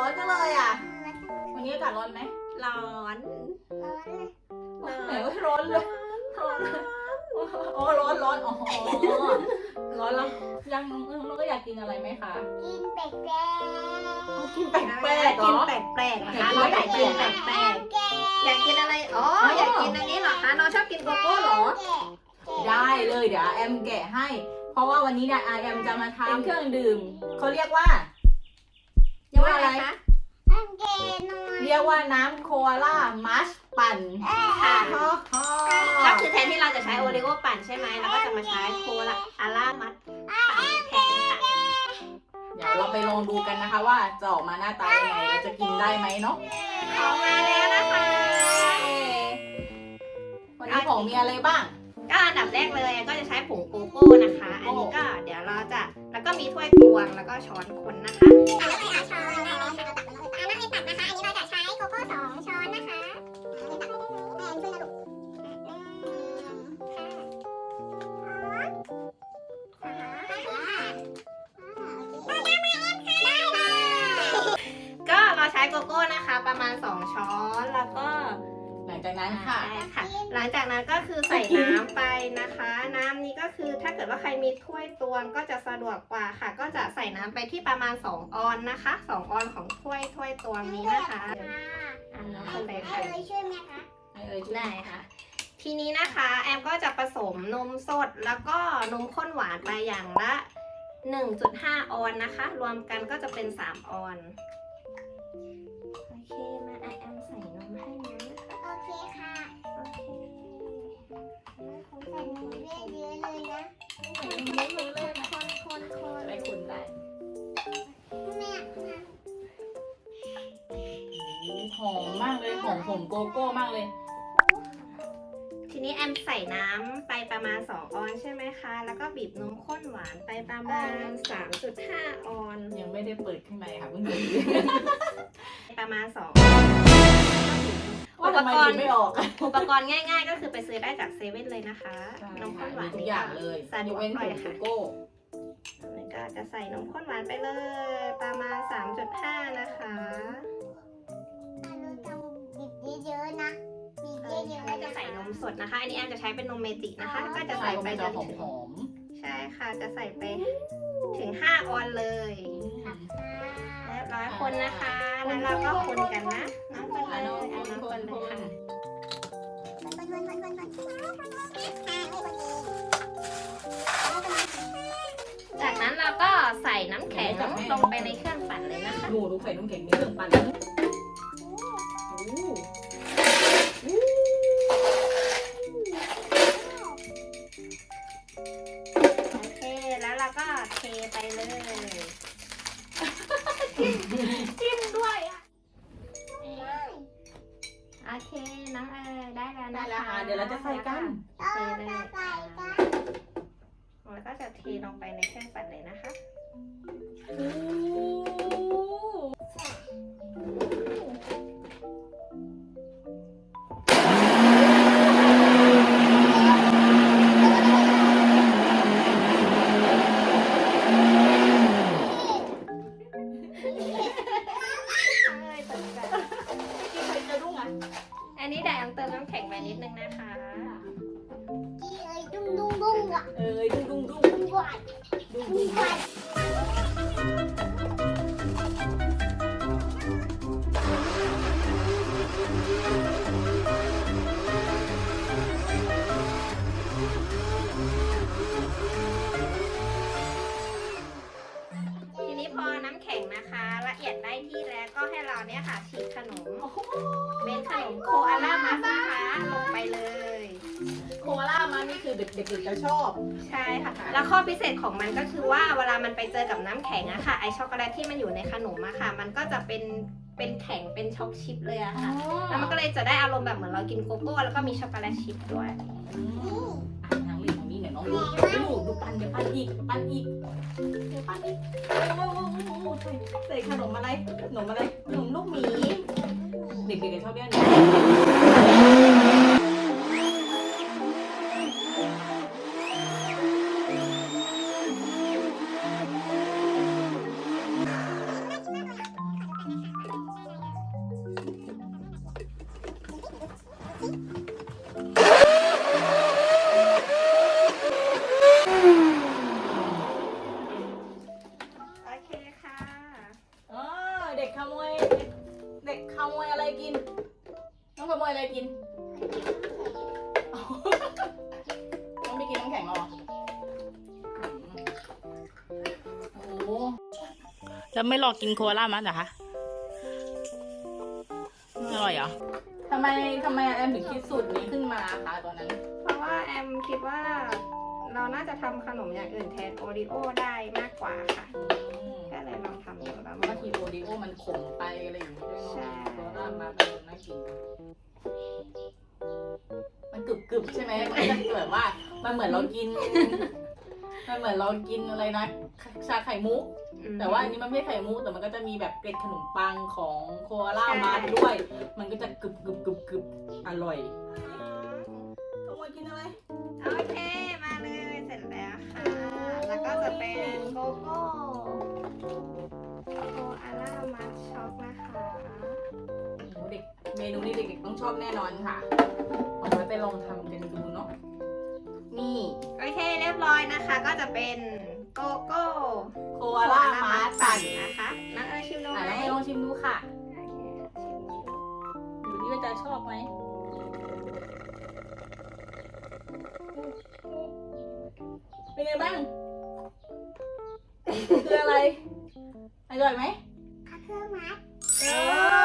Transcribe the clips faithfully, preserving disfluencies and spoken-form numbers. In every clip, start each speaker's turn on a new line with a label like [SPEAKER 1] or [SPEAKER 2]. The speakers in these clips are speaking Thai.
[SPEAKER 1] อนจังเลยอ่ะวันนี้อากาศร้อนไหม
[SPEAKER 2] ร้อน
[SPEAKER 1] ร้อนไหนว่าร้อนเลยร้อนโอ้ร้อนร้อนอ๋อร้อนแล้วยังน้องก็อยากกินอะไรไหมคะ
[SPEAKER 3] กินแปลก
[SPEAKER 1] กินแปลกแปลกเหร
[SPEAKER 2] กิน
[SPEAKER 1] อ
[SPEAKER 2] แปลกๆนะคะเราอยากกินแปลกๆอยากกินอะไรอ๋ออยากกินอันนี้เหรอคะน้องชอบกินโกโก้เหรอ
[SPEAKER 1] ได้เลยเดี๋ยวแอมแกะให้ เพราะว่าวันนี้เนี่ยแอมจะมาทำเครื่องดื่มเขาเรียกว่าเรียกว่าอะไร
[SPEAKER 2] คะ
[SPEAKER 3] ๆอันเกนอย
[SPEAKER 1] เรียกว่าน้ำโคอาล่ามัชปั่น
[SPEAKER 2] ค่ะ
[SPEAKER 1] ฮ่าฮ่า
[SPEAKER 2] ก็คือแทนที่เราจะใช้โอริโอปั่นใช่ไหมเราก็จะมาใช้โคลาอาร่ามัดปั่นแทนค่ะ
[SPEAKER 1] เดี๋ยวเราไปลองดูกันนะคะว่าจะออกมาหน้าตายังไงเราจะกินได้ไหมเนาะ
[SPEAKER 2] ออกมาแล้วนะคะ
[SPEAKER 1] วันนี้ของมีอะไรบ้าง
[SPEAKER 2] ก็อันดับแรกเลยก็จะใช้ผงโกโก้นะคะ อันนี้ก็เดี๋ยวเราจะแล้วก็มีถ้วยตวงแล้วก็ช้อนคนนะคะ
[SPEAKER 3] แล้วก็เอาช้อนได้เลยค่ะเอาตักมาเลยอ่าน้ำเอ็มตักนะคะ อันนี้เราจะใช้โกโก้สองช้อนนะคะอันนี้ตักให้ได้เลยแอนช่วยนะลูกหนึ่งค่ะสองค่ะ
[SPEAKER 2] ก็เราใช้โกโก้นะคะ ประมาณสองช้อนแล้วก็
[SPEAKER 1] หลังจากนั้นค่ะ
[SPEAKER 2] ใช่ค่ะ หลังจากนั้นก็คือใส่น้ำไปนะคะ น้ำนี้ก็คือถ้าเกิดว่าใครมีถ้วยตวงก็จะสะดวกกว่าค่ะ ก็จะใส่น้ำไปที่ประมาณสองออนนะคะสองออนของถ้วยถ้วยตวงนี้นะคะอ่าน้องคนเลย
[SPEAKER 3] ให้
[SPEAKER 2] ค่ะ
[SPEAKER 3] เลยช่วยไหมคะ
[SPEAKER 1] ให้เอ่ยชื่อ
[SPEAKER 2] ได้ค่ะ ทีนี้นะคะแอมก็จะผสมนมสดแล้วก็นมข้นหวานไปอย่างละ หนึ่งจุดห้า ออนนะคะ รวมกันก็จะเป็นสามออนโอเคมาแอมใส่นมให้นะ
[SPEAKER 3] โอเคค่ะ
[SPEAKER 2] โอเค
[SPEAKER 3] ผมใส่นมเยอะๆเลยนะ
[SPEAKER 2] ใส่นมเยอะๆเลยนะคนคนคน
[SPEAKER 1] จะได้คุณได้
[SPEAKER 3] แม่
[SPEAKER 1] หอมมากเลยหอมผมโกโก้มากเลย
[SPEAKER 2] ทีนี้แอมใส่น้ำไปประมาณสองออนใช่ไหมคะ แล้วก็บีบนมข้นหวานไปประมาณ สามจุดห้า ออน
[SPEAKER 1] ยังไม่ได้เปิดข้างในค่ะเพิ่งดู
[SPEAKER 2] ประมาณสอง
[SPEAKER 1] ว่าทำไมถึงไม่ออกอะ
[SPEAKER 2] อุปกรณ์ง่ายๆ ก็คือไปซื้อได้จากเซเว่นเลยนะคะ นมข้นหวาน
[SPEAKER 1] มีทุกอย่างเลย
[SPEAKER 2] สะด
[SPEAKER 1] ยว ก
[SPEAKER 2] ก
[SPEAKER 1] เว้น
[SPEAKER 2] ห
[SPEAKER 1] ผ
[SPEAKER 2] น่อย
[SPEAKER 1] งโก
[SPEAKER 2] ค่ะ
[SPEAKER 1] โก้
[SPEAKER 2] แล้วก็จะใส่นมข้นหวานไปเลย ประมาณ สามจุดห้า นะคะ
[SPEAKER 3] เราต้องบีบเยอะๆนะบีบเยอะๆ
[SPEAKER 2] ก็จะใส่นมสดนะคะ อันนี้แอมจะใช้เป็นนมเมจินะคะ ก็จะ
[SPEAKER 1] ใส่
[SPEAKER 2] ใส่
[SPEAKER 1] ไป
[SPEAKER 2] ไปจ
[SPEAKER 1] จะ
[SPEAKER 2] น
[SPEAKER 1] หอม
[SPEAKER 2] ถึง
[SPEAKER 1] หอม
[SPEAKER 2] ใช่ค่ะ จะใส่ไปถึง ห้า ออนเลยเรียบร้อยคนนะคะ แล้วเราก็คนกันนะน้องคนเลยเอาน้องคนเลยค่ะ จากนั้นเราก็ใส่น้ำแข็งลงไปในเครื่องปั่นเลยนะคะ
[SPEAKER 1] ดูดูไข่น้ำแข็งในเครื่องปั่นแล้วโอ้โห
[SPEAKER 2] โอเค แล้วเราก็เทไปเลย
[SPEAKER 1] จิ้มด้วยอ่ะ
[SPEAKER 2] โอเค น้องเอ๋ยได้แล้ว
[SPEAKER 1] ได้
[SPEAKER 2] นะ
[SPEAKER 1] แล้ว
[SPEAKER 2] คะ
[SPEAKER 1] ค่ะเดี๋ยวเราจะใส่กัน
[SPEAKER 2] เทเลยค่ะแล้วก็จะเทลงไปในเครื่องปั่นเลยนะคะ
[SPEAKER 1] โอ้กินไข่จะรุ่งอ่ะ
[SPEAKER 2] อันนี้เดี๋ยวแอมเติมน้ำแข็งไปนิดนึงนะคะ
[SPEAKER 3] ดุ้งดุ้งดุ้งอ่ะ
[SPEAKER 1] เอ้ยดุ้งดุ้งดุ้ง
[SPEAKER 3] ดุ้งหวาน
[SPEAKER 1] ดุ้ง
[SPEAKER 3] ดุ้
[SPEAKER 1] ดุ้
[SPEAKER 3] ง
[SPEAKER 1] ง
[SPEAKER 3] หวาน
[SPEAKER 2] ทีนี้พอน้ำแข็งนะคะ ละเอียดได้ที่แล้วก็ให้เราเนี่ยค่ะฉีกขนม เป็นขนมโคอาล่ามัสนะคะลงไปเลย
[SPEAKER 1] โคอาล่ามันนี่คือเด็กๆจะชอบ
[SPEAKER 2] ใช่ค่ะ แล้วข้อพิเศษของมันก็คือว่าเวลามันไปเจอกับน้ำแข็งอะค่ะ ไอช็อกโกแลตที่มันอยู่ในขนมอะค่ะ มันก็จะเป็นเป็นแข็งเป็นช็อกชิพเลยอะค่ะ แล้วมันก็เลยจะได้อารมณ์แบบเหมือนเรากินโกโก้แล้วก็มีช็อกโกแลตชิพด้วย
[SPEAKER 1] อ่ะนางเล่นของนี้เนี่ยน้องดูดูดูปั้นเดี๋ยวปั้นอีกเดี๋ยวปั้นอีกเดี๋ยวปั้นอีกโอ้โหโอ้โหใส่ใส่ขนมอะไรขนมอะไรขนมลูกหมีเด็กๆจะชอบเรียกนี้ขโมยเด็กขโมยอะไรกินน้องขโมยอะไรกินน้องไม่กินน้ำแข็งหรอโอ้โหจะไม่รอกินโคลามั้ยเหรอคะอร่อยเหรอทำไมทำไมแอมถึงคิดสูตรนี้ขึ้นมาคะตอนนั้น
[SPEAKER 2] เพราะว่าแอมคิดว่าเราน่าจะทำขนมอย่างอื่นแทนโอริโอได้มากกว่าค่ะ ก็เลยลองทำดูแล้ว
[SPEAKER 1] บางทีโอริโอมันขมไปอะไรอย่างนี้ด้วย
[SPEAKER 2] ใช่
[SPEAKER 1] เนาะโคลามาเป็นน่ากินมันกรึบกรึบใช่ไหมมันจะเกิดว่ามันเหมือนเรากิน มันเหมือนเรากินอะไรนะชาไข่มุก แต่ว่าอันนี้มันไม่ไข่มุกแต่มันก็จะมีแบบเกล็ดขนมปังของโคอาล่ามาด้วย มันก็จะกรึบกรึบกรึบกรึบอร่อยขโมยกินอะไร
[SPEAKER 2] โอเค มาเลยเสร็จแล้วค่ะ แล้วก็จะเป็นโกโก้โคอาล่ามัทช็อกนะคะ
[SPEAKER 1] โอ้เด็กเมนูนี้เด็กๆต้องชอบแน่นอนค่ะเอาไว้ไปลองทำกันดูเนาะนี่
[SPEAKER 2] โอเคเรียบร้อยนะคะ ก็จะเป็นโกโก้
[SPEAKER 1] โคอาล่ามาปั่น
[SPEAKER 2] นะคะน้องเอ๋ยชิมดู
[SPEAKER 1] อ่ะ
[SPEAKER 2] ไหม
[SPEAKER 1] แล้วให้ลองชิมดูค่ะ
[SPEAKER 2] โอเคชิมดู
[SPEAKER 1] ดูดิว่าจะชอบไหมเป็นไงบ้างคืออะไรอร่อยไหม
[SPEAKER 3] เอาเครื่องมัด
[SPEAKER 1] เอ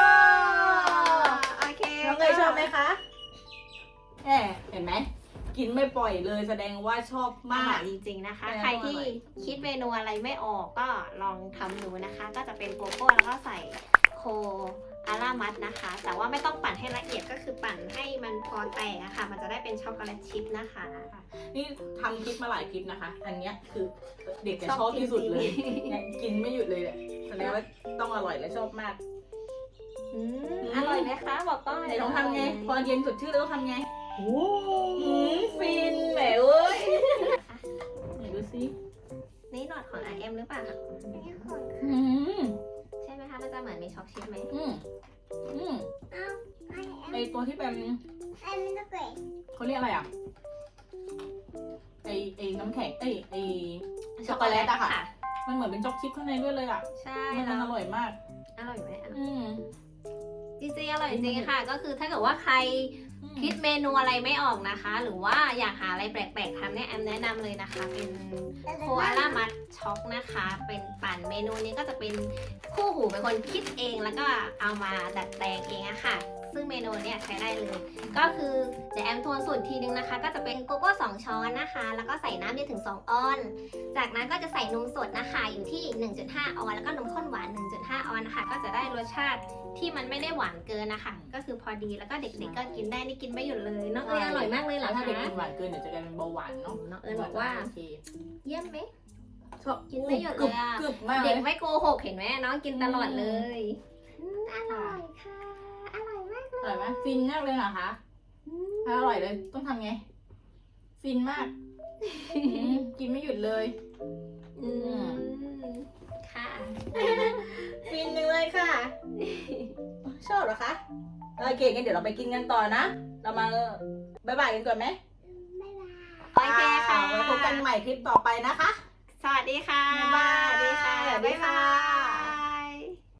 [SPEAKER 2] โอเค
[SPEAKER 1] น้องเนยชอบไหมคะแหมเห็นไหมกินไม่ปล่อยเลยแสดงว่าชอบ
[SPEAKER 2] อ
[SPEAKER 1] มา
[SPEAKER 2] ร่อก ยจริงๆนะคะ
[SPEAKER 1] แปลว่า
[SPEAKER 2] ใครที่คิดเมนูอะไรไม่ออกก็ลองทำดูนะคะ ก็จะเป็นโกโก้แล้วก็ใส่โคอาล่ามัทนะคะ แต่ว่าไม่ต้องปั่นให้ละเอียดก็คือปั่นให้มันพอแตกอะค่ะ มันจะได้เป็นช็อกโกแลตชิพนะคะ
[SPEAKER 1] นี่ทำคลิปมาหลายคลิปนะคะ อันเนี้ยคือเด็กจะชอบที่สุดเลยเนี่ยกินไม่หยุดเลยเนี่ยแสดงว่าต้องอร่อยและชอบมาก
[SPEAKER 2] อืมอร่อยไหมคะบอกก็
[SPEAKER 1] ไหนลองทำไงพอเย็นสดชื่นแล้วต้องทำไงโอ้ฟินแหมเอ้ยไหนดูสิ
[SPEAKER 2] นี่หนวดของ อาร์ เอ็ม หรือเปล่าคะ
[SPEAKER 3] อันนี้ของ
[SPEAKER 1] อืม
[SPEAKER 2] ใช่ไหมคะมันจะเหมือนมีช็อกชิพไหม
[SPEAKER 1] อืมอืม
[SPEAKER 3] เอาไอ้
[SPEAKER 1] ไอตัวที่เป็น
[SPEAKER 3] ไอ้มันจะเกล็ด
[SPEAKER 1] เขาเรียกอะไรอ่ะไอไอน้ำแข็งไอไอ ช็อกโกแลตอะค่ะ มันเหมือนเป็นช็อกชิพข้างในด้วยเลยอ่ะ
[SPEAKER 2] ใช่
[SPEAKER 1] มัน
[SPEAKER 2] แล้ว
[SPEAKER 1] อร่อยมาก
[SPEAKER 2] อร่อยไหมอ่ะ
[SPEAKER 1] อืม
[SPEAKER 2] จริงๆอร่อยจริงๆค่ะ ก็คือถ้าเกิดว่าใครคิดเมนูอะไรไม่ออกนะคะ หรือว่าอยากหาอะไรแปลกๆทำเนี่ยแอมแนะนำเลยนะคะ เป็นโคอาล่ามัทช็อกนะคะ เป็นปั่นเมนูนี้ก็จะเป็นคู่หูเป็นคนคิดเองแล้วก็เอามาดัดแปลงเองอะค่ะ ซึ่งเมนูเนี่ยใช้ได้เลย ก็คือเดี๋ยวแอมทวนสูตรทีนึงนะคะ ก็จะเป็นโกโก้สองช้อนนะคะ แล้วก็ใส่น้ำเยอะถึงสองออน จากนั้นก็จะใส่นมสดนะคะอยู่ที่ หนึ่งจุดห้า ออน แล้วก็นมข้นหวาน หนึ่งจุดห้า ออนนะคะ ก็จะได้รสชาติที่มันไม่ได้หวานเกินนะคะ ก็คือพอดีแล้วก็เด็กๆก็กินได้นี่กินไม่หยุดเลยน้องเอ๋ยอร่อยมากเลยเหรอ
[SPEAKER 1] ถ้า
[SPEAKER 2] คะ
[SPEAKER 1] เด็กกินหวานเกินเดี๋ยวจะกลายเป็นเบาหวานเนาะ
[SPEAKER 2] น้องเอ๋ยบอกว่า
[SPEAKER 1] โอเค
[SPEAKER 2] เยี่ยมไหม
[SPEAKER 1] ชอบ
[SPEAKER 2] กินไม่หยุดเลยอะ
[SPEAKER 1] กรึบมากเล
[SPEAKER 2] เด็
[SPEAKER 1] ย
[SPEAKER 2] กไม่โกหกเห็นไหมน้องกินตลอดเลยอืมอร่อยค่ะ อร่อยมาก
[SPEAKER 1] อร่อยไหมฟินมากเลยเหรอคะถ้าอร่อยเลยต้องทำไง ฟินมากอืมกินไม่หยุดเลย
[SPEAKER 2] อืมค่ะ
[SPEAKER 1] ฟินจังเลยค่ะ ชอบเหรอคะโอเคงั้นเดี๋ยวเราไปกินกันต่อนะ เรามาบ๊ายบายกันก่อนไหม
[SPEAKER 3] บ๊ายบาย
[SPEAKER 2] โอเคค่ะ
[SPEAKER 1] ไว้พบกันใหม่คลิปต่อไปนะคะ
[SPEAKER 2] สวัสดีค่ะ